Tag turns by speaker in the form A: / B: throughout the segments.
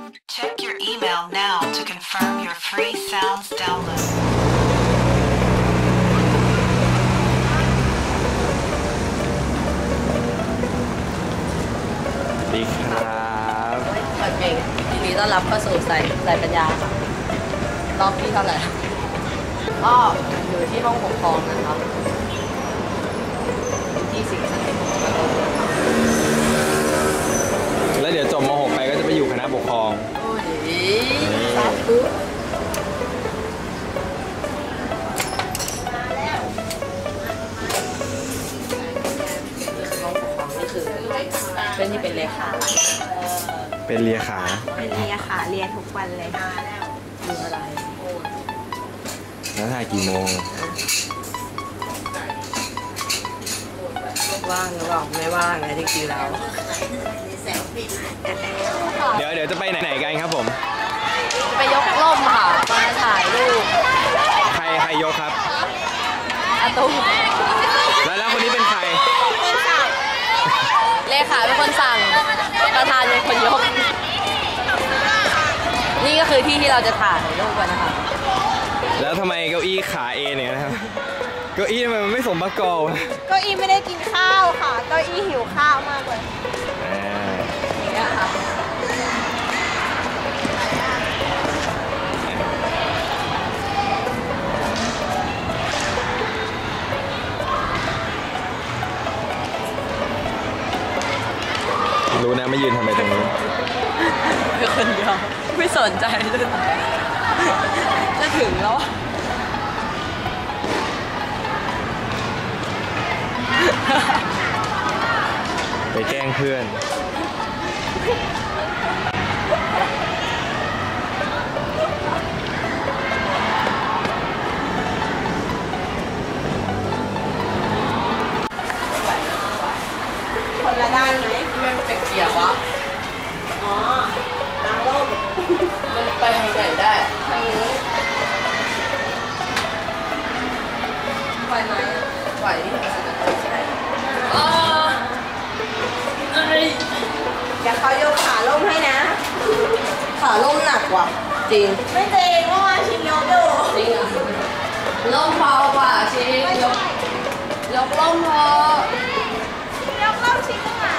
A: Check your email now to confirm your free sounds download.
B: ดีครับ
C: เปิดเพลงยินดีต้อนรับเข้าสู่สายปัญญาค่ะรอบที่เท่าไหร่ก็อยู่ที่ห้องปกครองนะครับที่สิงห์สถิต
B: แล้วเดี๋ยวจบม .6 ไปก็จะไปอยู่คณะปกครอง
C: โอ้ยสาธุเป็นที่เป็นเลขา
B: เป็นเลียขา
D: เป็นเลียขาเลียทุกวันเลย
C: ดูอะไร
B: แล้วถ่ายกี่โมง
C: ว่างหรือเปล่าไม่ว่างนะจริงๆแล้ว
B: เดี๋ยวจะไปไหนกันครับผม
C: ไปยกร่มค่ะมาถ่ายรูป
B: ใครยกครับ
C: อาตุ้ม
B: แล้วคนนี้เป็นใคร
C: เลขาเป็นคนสั่งประธานเป็นคนยกนี่ก็คือที่เราจะถ่ายรูปกันนะคะ
B: แล้วทำไมเก้าอี้ขาเอเนี่ยนะครับเก้าอี้ทำไมมันไม่สมประกอบ
D: เก้าอี้ไม่ได้กินข้าวค่ะเก้าอี้หิวข้าวมากเลย
C: เนี่ยค่ะ
B: รู้นะไม่ยืนทำไมตรงนี้
C: เป็นคนเดียวไม่สนใจเลยจะถึงแล้ว
B: ไปแกล้งเพื่อน
D: คนละด้านไหม
C: มันเป็นเกียร์วะ
D: อ๋อทางร่ม
C: มันไปทางไหนได้
D: ทางนี้ไหวไหม
C: ไหวที่ทางสุดใช่
D: เดี๋ยวเขายกขาล่มให้นะ
C: ขาล่มหนักว่ะจริง
D: ไม่จริงเมื่อวานชิงยกอยู่
C: จริงอ่ะล่มเบากว่าชิงยกล่มพอย
D: กล่มชิงอ่ะ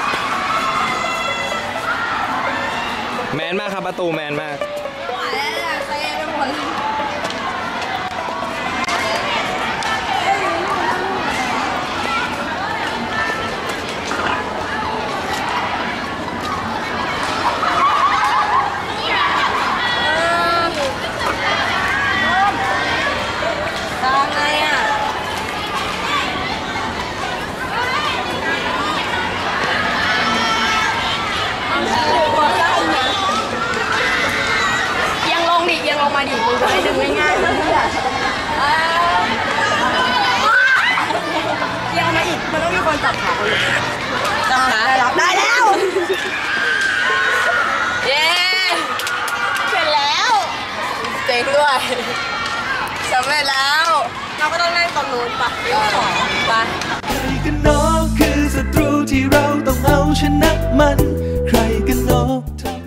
B: แมนมากครับประตูแมนมาก
C: ไหวแล้วเซ่ไปหมดลงมาดิมึงจะให้ดึงง่ายๆนะยังมาอีกมันต้องมีคนจับขาเลยจับขาได้แล้วเย้
D: เสร็จแล้ว
C: เจ๋งด้วยสำเร็จแล้ว
D: เราก็ต้องนั่งตรงนู้นปะ
C: ไป
E: ใครกันเนาะคือศัตรูที่เราต้องเอาชนะมันใครกันเนาะ